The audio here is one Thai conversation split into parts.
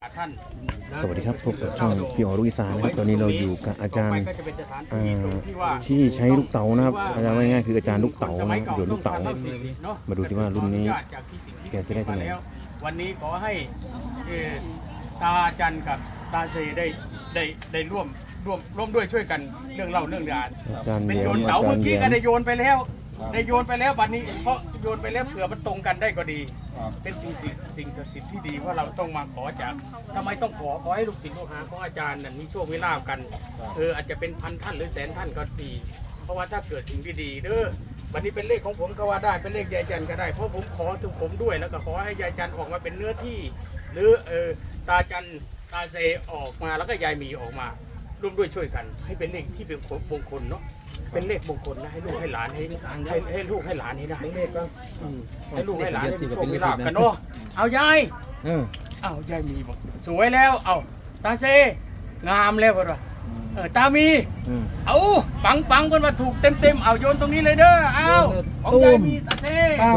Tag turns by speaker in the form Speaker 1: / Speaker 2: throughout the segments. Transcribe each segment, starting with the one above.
Speaker 1: ท่าน
Speaker 2: สวัสดีครับพบกับช่องพี่อ๋อลูกอีสานนะครับตอนนี้เราอยู่กับอาจารย์ที่ใช้ลูกเต๋านะครับอาจารย์ว่าง่ายๆคืออาจารย์ลูกเต๋านะครับโยนลูกเต๋ามาดูสิว่ารุ่นนี้แกจะได้ที่ไหน
Speaker 1: วันนี้ขอให้ตาจันกับตาเซได้ร่วมด้วยช่วยกันเรื่องเล่าเรื่องราว
Speaker 2: อาจารย์
Speaker 1: เป็น
Speaker 2: แย้
Speaker 1: โย
Speaker 2: ม
Speaker 1: น
Speaker 2: อา
Speaker 1: เต๋า
Speaker 2: จา
Speaker 1: เมื่
Speaker 2: ร
Speaker 1: อ
Speaker 2: ย์
Speaker 1: กี้
Speaker 2: แย้
Speaker 1: ก็
Speaker 2: ม
Speaker 1: ได้โยนไปแล้วบัดนี้เพราะโยนไปแล้วเผื่อมันตรงกันได้ก็ดี เป็นสิ่งศักดิ์สิทธิ์ที่ดีว่าเราต้องมาขอจากทำไมต้องขอให้ลูกศิษย์ลูกหาของอาจารย์นั้นมีโชคมีลาภกันอาจจะเป็นพันท่านหรือแสนท่านก็ดีเพราะว่าถ้าเกิดสิ่งที่ดีเด้อวันนี้เป็นเลขของผมก็ว่าได้เป็นเลขยายจันก็ได้เพราะผมขอถึงผมด้วยแล้วก็ขอให้ยายจันออกมาเป็นเนื้อที่ หรือตาจันตาเซออกมาแล้วก็ยายหมีออกมาร่วมด้วยช่วยกัน ให้เป็นเลขที่เป็นมงคลเนาะเป็นเลขมงคลนะให้ลูกให้หลานให้ลูกให้หลานให้ได้เลขก็ให้ลูกให้หลานให้มีโชคมีลาภกันเนาะเอายายเอายายมีบอกสวยแล้วเอาตาเซงามแล้วคนว่าตามีเอาปังคนว่าถูกเต็มเอาโยนตรงนี้เลยเด้อเอาของยายมีตาเซ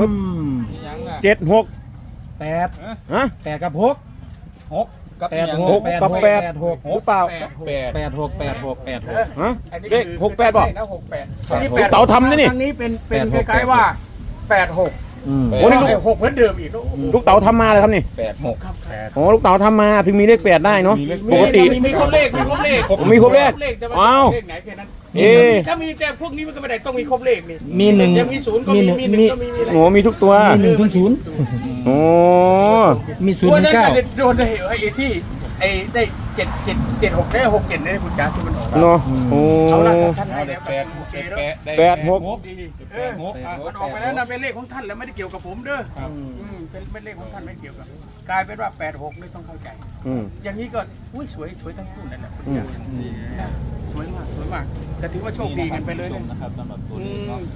Speaker 2: 7-6
Speaker 3: 8
Speaker 2: ฮะ
Speaker 3: 8กับ6
Speaker 2: 6กับ8
Speaker 3: 8 6
Speaker 2: หรือเปล่า
Speaker 3: 8 6 8 6 8 6
Speaker 2: ฮะเลข68บอก
Speaker 1: แล้ว68
Speaker 2: ลูกเต๋าทำนะนี่
Speaker 1: ทางนี้เป็นคล้ายๆว่า86
Speaker 2: โอ้นี่
Speaker 1: 6เหมือนเดิมอีก
Speaker 2: ลูกเต๋าทำมาเลยครับนี่
Speaker 1: 6ครับ
Speaker 2: โอ้ลูกเต๋าทำมาถึงมีเลข8ได้เนาะปกติ
Speaker 1: มีครบเลขมีครบเลข
Speaker 2: มีครบเลข
Speaker 1: แต่ว่า
Speaker 2: อ้าว
Speaker 1: เลขไหนแค่นั้น
Speaker 2: เอ๊ะ
Speaker 1: ถ้ามีแต่พวกนี้มันก็ไม่ได้ต้องมีครบเลขนี่
Speaker 3: มีหนึ่ง
Speaker 1: จะมี0ก็มี1ก็มี
Speaker 2: โอ้มีทุกตัว
Speaker 3: มี1ถึง0
Speaker 2: โอ้
Speaker 3: มี0
Speaker 1: ตัว
Speaker 3: ถึ
Speaker 1: นั้น
Speaker 3: ง
Speaker 1: จะ
Speaker 3: 9
Speaker 1: โดนไอ้ที่ได้7 6ได้67ได้คุณจ๋าที่มันออก
Speaker 2: เนาะโอ้
Speaker 1: เอาละท่านให้แล้วโอเคแล้ว
Speaker 2: 8-6
Speaker 1: ดีมันออกไปแล้วนะเป็นเลขของท่านแล้วไม่ได้เกี่ยวกับผมเด้อเป็นเลขของท่านไม่เกี่ยวกับกลายเป็นว่า86นี่ต้องเข้าใจ อย่างนี้ก็สวยทั้งคู่นั่นแหละสวยมากแต่ถือว่าโชคดีกันไปเลยนะครับสำหรับตัวนี้เนาะ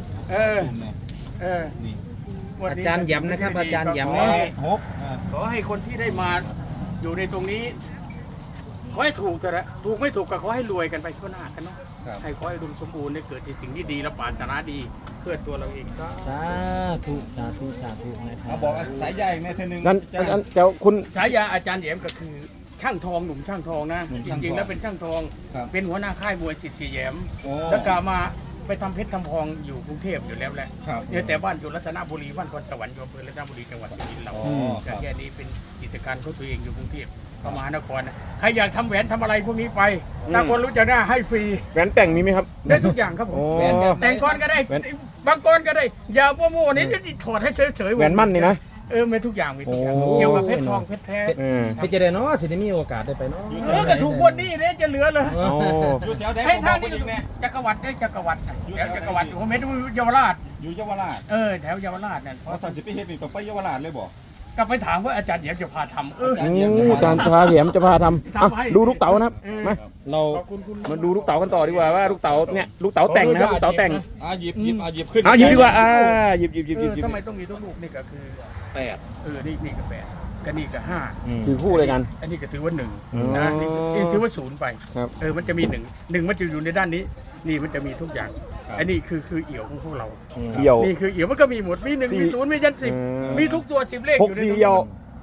Speaker 3: อาจารย์ย้ำนะครับอาจารย์ย้ำ
Speaker 1: ขอให้คนที่ได้มาอยู่ในตรงนี้ขอให้ถูกเถอะถูกไม่ถูกก็ขอให้รวยกันไปทั่วหน้ากันเนาะให้ขอให้ดุมสมบูรณ์ได้เกิดสิ่งที่ดีและปรารถนาดีเพื่อตัวเราเองก็
Speaker 3: สาธุนะครับ
Speaker 4: บอกสายใหญ่แม่เธอหนึ่ง
Speaker 2: นั่นเจ้าคุณ
Speaker 1: ฉายาอาจารย์เหยมก็คือช่างทองหนุ่มช่างทองนะจริงๆแล้วเป็นช่างทองเป็นหัวหน้าค่ายมวยสิทธิ์เสียแหยมแล้วก็มาไปทำเพชรทำพองอยู่กรุงเทพอยู่แล้วแหละเนี่ยแต่บ้านอยู่รัตนบุรีบ้านพรสวรรค์อยู่อำเภอรัตนบุรีจังหวัดสุรินทร์เราแต่แค่นี้เป็นกิจการของตัวเองอยู่กรุงเทพก็มหานครนะใครอยากทำแหวนทำอะไรพวกนี้ไปถ้าคนรู้จักหน้าให้ฟรี
Speaker 2: แหวนแต่งมีไหมครับ
Speaker 1: ได้ทุกอย่างครับผม
Speaker 2: โอ้
Speaker 1: แต่งก้อนก็ได้บางก้อนก็ได้อย่าโม่ๆนี่ถอดให้เฉยๆ
Speaker 2: แหวนมั่นนี่นะ
Speaker 1: มีทุกอย่างมีทุกอย่าง
Speaker 2: โอ้
Speaker 1: เกี่ยวกับเพชรทองเพชรแท้
Speaker 3: ไปจะได้เนาะสิได้มีโอกาสได้ไปเนาะ
Speaker 1: ก็ถูกวันนี้เนี่ยจะเหลือเลย
Speaker 2: โอ้
Speaker 4: อยู่แถวไหน
Speaker 1: ให้
Speaker 4: ผมบ
Speaker 1: ท่า
Speaker 4: อน ก
Speaker 1: นี่
Speaker 4: ไปอีกแน่
Speaker 1: จักรวรรดิได้จักรวรรดิแถวจักรวรรดิผมเห็นเยาวราช
Speaker 4: อยู่เยาวราช
Speaker 1: แถวเยาวราชนั่น
Speaker 4: เพราะถ้าสิไปเฮ็ดนี่ต้องไปเยาวราชเลยบ่
Speaker 1: ก็ไปถามว่าอาจารย์เดี๋ยวจะพาทำ
Speaker 2: อาจารย์พาเหยียมจะพาทำดูลูกเต๋านะครับมา
Speaker 3: เรา
Speaker 1: ขอบคุณคุณ
Speaker 2: มาดูลูกเต๋ากันต่อดีกว่าว่าลูกเต๋าเนี่ยลูกเต๋าแต่งนะครับลูกเต๋าแต่ง
Speaker 4: หยิบขึ้น
Speaker 2: หยิบดีกว่าหยิบ
Speaker 1: ทำไมต้องมีทุกลูกนี่ก็คือ8นี่ก็8ก็นี่ก็5
Speaker 2: ถือคู่เลยกัน
Speaker 1: อันนี้ก็ถือว่า1นะนี่ถือว่า0ไป
Speaker 2: ครับ
Speaker 1: มันจะมี1มันจะอยู่ในด้านนี้นี่มันจะมีทุกอย่างอันนี้คือเอี่ยวของพวกเรา
Speaker 2: เดี่ยว
Speaker 1: นี่คือเอี่ยวมันก็มีหมดมี1มี0มียัน10มีทุกตัว10เลขอยู่ใน
Speaker 2: 6-4เดี่ยว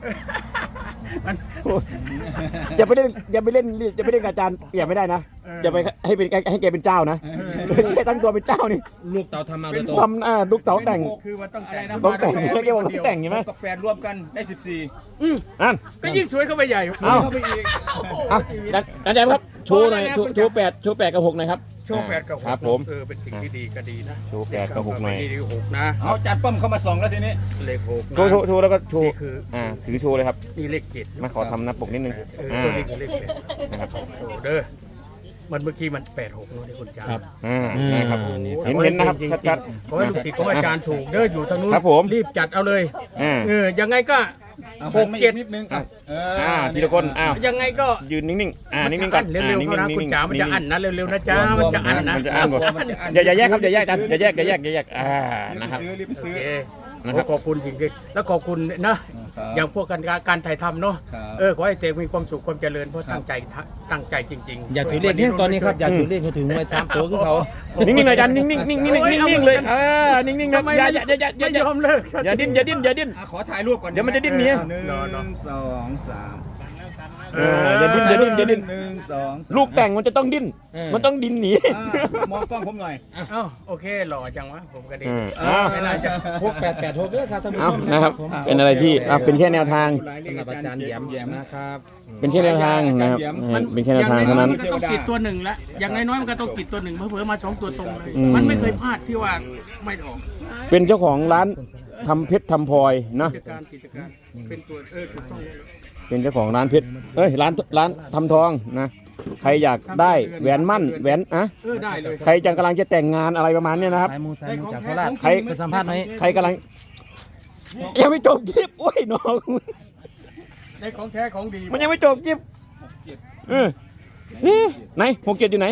Speaker 2: อย่าไปเล่นกับอาจารย์อย่าไม่ได้นะอย่าไปให้แกเป็นเจ้านะแค่ตั้งตัวเป็นเจ้านี่
Speaker 3: ลูกเต๋าทำมาโดยตรง
Speaker 2: ทำลูกเต๋าแต่ง
Speaker 1: คือมันต้องแต่ง
Speaker 2: ต้องแต่งเรียกว่าต้องแต่งใช่ไหม
Speaker 4: กับ8รวมกันได้14
Speaker 2: นั่น
Speaker 1: ก็ยิ่งสวยเข้าไปใหญ่
Speaker 2: เอ้า
Speaker 4: เข้าไปอีก
Speaker 2: อาจารย์ครับโชว์หน่อยโชว์8กับ6หน่อยครับ
Speaker 1: โชว์8กับ6
Speaker 2: ครับผม
Speaker 1: เป็นสิ่งที่ดีก็ดีนะ
Speaker 2: โชว์8กับ6หน่อย
Speaker 1: ดี6นะ
Speaker 4: เอาจัดป้อมเข้ามา2แล้วทีนี้
Speaker 1: เลข6
Speaker 2: โชว์แล้วก็โชว์
Speaker 1: นี่คือ
Speaker 2: ถือโชว์เลยครับ
Speaker 1: นี่เลข7
Speaker 2: มาขอทำหน้าปกนิดนึง
Speaker 1: ตัวนี้คือเลข
Speaker 2: นะครับ
Speaker 1: 7โอ้เด้อมันเมื่อกี้มัน86เนาะที่คุณจ๋า
Speaker 2: นะครับเห็นนะครับชัด
Speaker 1: ขอให้ลูกศิษย์ของอาจารย์ถูกเด้ออยู่ทางนู้น
Speaker 2: ครับผม
Speaker 1: รีบจัดเอาเลย
Speaker 2: ๆ
Speaker 1: ยังไงก็
Speaker 4: นิดนึง
Speaker 2: ทีละคน
Speaker 1: ยังไงก็
Speaker 2: ยืนนิ่งๆนิ่งๆก่อน
Speaker 1: เร็วๆเขานะคุณจ๋ามันจะอั้นนะเร็วๆนะจ๊ะมันจะอั้นนะ
Speaker 2: มันจะอ่านหมดอย่าแยกครับอย่าแยกกันอย่าแยกนะครับ
Speaker 4: รีบไปซื้อ
Speaker 1: ขอบคุณจริงๆแล้วขอบคุณนะอย่างพวกการถ่ายทำเนาะขอให้เตมีความสุขความเจริญเพราะตั้งใจจริงๆ
Speaker 3: อย่าถือเลขเนี่ยตอนนี้ครับอย่าถือเลขเขาถึงไว้3ตัวคือเขา
Speaker 2: นิ่งๆหน่อยจันนิ่งๆนิ่งๆเลยนิ่งๆนะอย่า
Speaker 1: ไม่ยอมเลิก
Speaker 2: อย่าดิ้น
Speaker 4: ขอถ่ายรูปก่อน
Speaker 2: เดี๋ยวมันจะดิ้นหนี
Speaker 4: 1 2 3
Speaker 2: อย่าดิ้นอย่าดิ้นอย่าดิ้น
Speaker 4: หนึ่งสองสาม
Speaker 2: ลูกแต่งมันจะต้องดิ้น มันต้องดิ้นหนี
Speaker 4: มองกล้องผมหน่อย
Speaker 1: เอ้าโอเคหล่อจังวะผมก็ดี
Speaker 2: อ้าว
Speaker 1: ไม่น่าจะ
Speaker 3: 6886เด้อครับท่านผู้ช
Speaker 2: เอา
Speaker 3: ม
Speaker 2: นะครับ
Speaker 3: ผม
Speaker 2: เป็นอะไรที่เป็นแค่แนวทาง
Speaker 3: สำหรับอาจารย์แหยมนะครับ
Speaker 2: เป็นแค่แนวทางนะครับเป็นแค่แนวทางเท่านั้น
Speaker 1: มันก็ต้องติดตัวหนึ่งละอย่างน้อยๆมันก็ต้องติดตัวหนึ่งเผลอๆมาสองตัวตรงเลย
Speaker 2: อืม
Speaker 1: มันไม่เคยพลาดที่ว่าไม่ออก
Speaker 2: เป็นเจ้าของร้านทำเพชรทำพลอยเนาะ
Speaker 1: กิจการเป็นตัวถูกต้องเลย
Speaker 2: เป็นเจ้าของร้านเพชรร้านทำทองนะใครอยากได้แหวนมั่นแหวนอะ
Speaker 1: ได้เลย
Speaker 2: ใครจะกำลังจะแต่งงานอะไรประมาณเนี้ยนะครับ
Speaker 3: สายมูจากโคราช
Speaker 2: ใคร
Speaker 3: ไปสัมภาษณ์ไหม
Speaker 2: ใครกำลังยังไม่จบคลิปโอ้ยน้อง
Speaker 1: ได้ของแท้ของดี
Speaker 2: มันยังไม่จบคลิปเออไหน67อยู่ไหน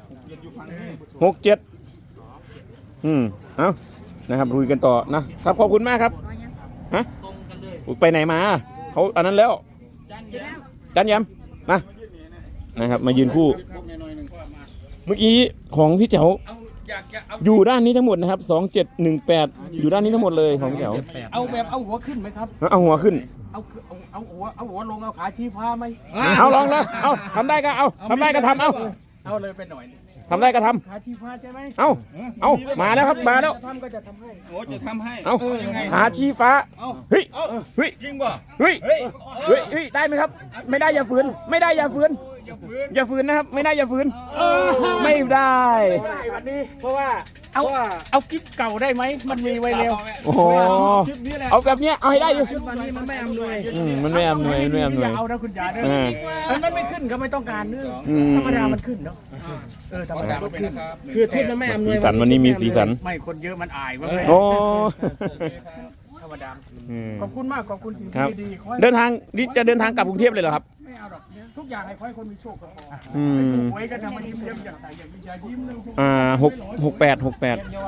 Speaker 2: 67เอานะครับลุยกันต่อนะครับขอบคุณมากครับฮะไปไหนมาเขาอันนั้นแล้วจันยำนะครับมายืนคู่เมื่อกี้ของพี่เจ๋ว
Speaker 1: อยากจะเอา
Speaker 2: อยู่ด้านนี้ทั้งหมดนะครับ2718อยู่ด้านนี้ทั้งหมดเลยของพี่เจ๋ว
Speaker 1: เอาแบบเอาหัวขึ้นไหมครับ
Speaker 2: เอาหัวขึ้น
Speaker 1: เอาหัวลงเอาขาชี้ฟ้าไหม
Speaker 2: เอาลองเลยเอาทำได้ก็เอาทำได้ก็ทำเอา
Speaker 1: เอาเลยไปหน่อย
Speaker 2: ทำได้ก็ท
Speaker 1: ขาชี้ฟ้าใช่ไหม
Speaker 2: ำเอามาแล้วครับมาแล้ว
Speaker 1: ทำก็จะทำให้
Speaker 4: โอ้จะทำให้
Speaker 2: เอา
Speaker 4: ยังไง
Speaker 2: หาชี้ฟ้าเฮ้ย
Speaker 4: เอ้า
Speaker 2: เฮ้ย
Speaker 4: จริงป่ะ
Speaker 2: เฮ้ย
Speaker 4: เฮ้ย
Speaker 2: เฮ้ยได้ไหมครับ ไม่ได้อย่าฝืนไม่ได้อย่าฝืน
Speaker 4: อย่าฝืน
Speaker 2: อย่าฝืนนะครับ ไม่ได้อย่าฝืนไม่ได้
Speaker 1: ได้วันนี้เพราะว่าเอากิ๊บเก่าได้ไหมมันมีไว้เร็ว
Speaker 2: โอ้โห
Speaker 4: คลิปนี้แหละ
Speaker 2: เอาแบบเนี้ยเอาให้ได้อยู่
Speaker 1: วันนี้มันไม่อำนวย
Speaker 2: มันไม่อำนวยไม่อำนวย
Speaker 1: อย่าเอานะคุณยาเด้อมันไม่ขึ้นก็ไม่ต้องการเนื้อ
Speaker 2: อืม
Speaker 1: ธรรมดามันขึ้นเนาะธรรมดามันขึ้น
Speaker 3: คือทุนมันไม่อำนวย
Speaker 2: สีสันวันนี้มีสีสัน
Speaker 1: ไม่คนเยอะมันอายว่า
Speaker 2: โอ้
Speaker 1: ธรรมดา
Speaker 2: อืม
Speaker 1: ขอบคุณมากขอบคุณสิ่ง
Speaker 2: ครับ
Speaker 1: ที่ดีๆขอให้
Speaker 2: เดินทางนี่จะเดินทางกลับกรุงเทพเลยเหรอครับ
Speaker 1: ไม่เอาหรอกทุกอย่างให้ขอให้คนมีโชคก็พอ
Speaker 2: อืม
Speaker 1: หวยก็ทำมันยิ้มเยิ้มอย่างใสอย่างวิชายิ้มนึง
Speaker 2: 68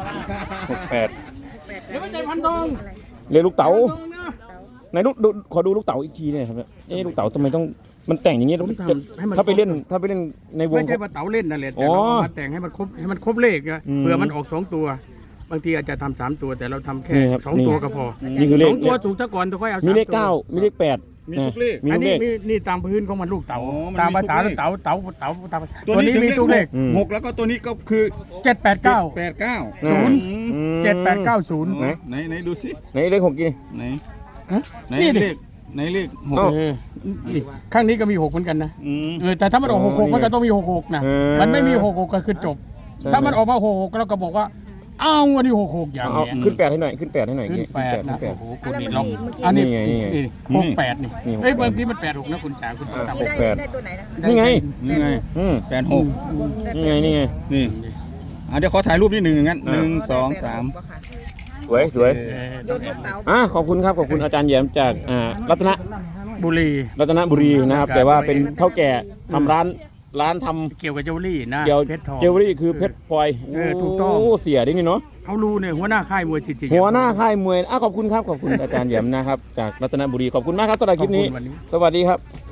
Speaker 1: เดี๋ยวไม่ใจพันทอง
Speaker 2: เรียกลูกเต๋า
Speaker 1: ทองนะ
Speaker 2: ไหนดูขอดูลูกเต๋าอีกทีเนี่ยครับลูกเต๋าทำไมต้องมันแต่งอย่างเงี้ยถ้าไปเล่นในวง
Speaker 1: ไม่ใช่ว่าเต๋าเล่นนั่นแหละแต่
Speaker 2: อ๋อ
Speaker 1: เราเอามาแต่งให้มันครบเลขนะ
Speaker 2: อืม
Speaker 1: เผื่อมันออก2ตัว บางทีอาจจะทำ3ตัวแต่เราทำแค่
Speaker 2: นี่ครับ
Speaker 1: 2ตัวก็พอ
Speaker 2: นี่คือเลข
Speaker 1: 2ตัวถูกซะก่อนตัวค่อยเอา
Speaker 2: มีเลข
Speaker 1: 3ตัว
Speaker 2: 9มีเลข8
Speaker 4: มีทุกเลข
Speaker 2: มี
Speaker 1: อัน
Speaker 2: ทุก
Speaker 1: นี้
Speaker 2: เลข
Speaker 1: นี่ตามพื้นของมันลูกเต๋า
Speaker 4: อ๋อมันมี
Speaker 1: ตามภาษา
Speaker 4: ทุกเลข
Speaker 1: เต๋าตัวนี้
Speaker 4: ถึง
Speaker 1: มีตัวเลข
Speaker 2: อืม
Speaker 4: หกแล้วก็ตัวนี้ก็คือ
Speaker 1: 789
Speaker 4: 89
Speaker 2: ศูนย์
Speaker 1: 7890
Speaker 4: ไหนดูสิ
Speaker 2: ไหนเลข6กี่
Speaker 4: ไหน
Speaker 1: ฮะ
Speaker 4: ไหน
Speaker 1: นี่ดิ
Speaker 4: เลขไหนเลขหก
Speaker 2: เอ้า
Speaker 1: นี่ข้างนี้ก็มี6เหมือนกันนะ
Speaker 4: อืม
Speaker 1: แต่ถ้ามันออก
Speaker 2: อ๋อ
Speaker 1: 66มันก็ต้องมี66นะ
Speaker 2: เออ
Speaker 1: มันไม่มี66ก็คือจบ
Speaker 2: ใช่
Speaker 1: ถ้ามันออกมา66เราก็บอกว่าอ้าววันนี้66อย่าง
Speaker 2: เอา
Speaker 1: เงี้ย
Speaker 2: ขึ้น8ให้หน่อยขึ้น8ให้หน่อย
Speaker 1: ขึ้นแปดนะ
Speaker 2: ขึ้
Speaker 1: โอ้
Speaker 2: 8
Speaker 1: โหคุณนี่ลอง
Speaker 5: เมื่อกี้
Speaker 1: อันนี้
Speaker 2: นี่ไงนี่ไง
Speaker 1: 68นี่
Speaker 2: นี่
Speaker 1: เอ้ยบางทีมัน86นะคุณจ๋าคุณจ๋า
Speaker 5: ที่
Speaker 2: แป
Speaker 5: ได้
Speaker 2: ด
Speaker 5: ตัวไหนนะ
Speaker 2: นี่ไง
Speaker 4: นี่ไง 86
Speaker 2: นี่ไงนี่ไง
Speaker 4: นี่เดี๋ยวขอถ่ายรูปนิดหนึ่งงั้น
Speaker 2: อ่า
Speaker 4: 1 2 3
Speaker 2: สวยสวย
Speaker 5: โยนลูกเต๋า
Speaker 2: ขอบคุณครับขอบคุณอาจารย์แย้มจากรัตน
Speaker 1: บุรี
Speaker 2: บุรีนะครับ แต่ว่าเป็นเท่าแก่ทำร้านทำ
Speaker 1: เกี่ยวกับเจวลรี่นะ
Speaker 2: เกี่ยว
Speaker 1: เพชรทอง
Speaker 2: เจวลรี่คือเพชรพลอย
Speaker 1: ถูกต้อง
Speaker 2: โเสียได้นี่เนาะ
Speaker 1: เขารู้เนี่ยหัวหน้าค่ายมวยจริงๆ
Speaker 2: หัวหน้าค่ายมวยขอบคุณครับขอบคุณอาจารย์แย้มนะครับจากรัตนบุรีขอบคุณมากครับสำหรับคลิปนี้
Speaker 1: ขอบคุณวันนี้
Speaker 2: สวัสดีครับ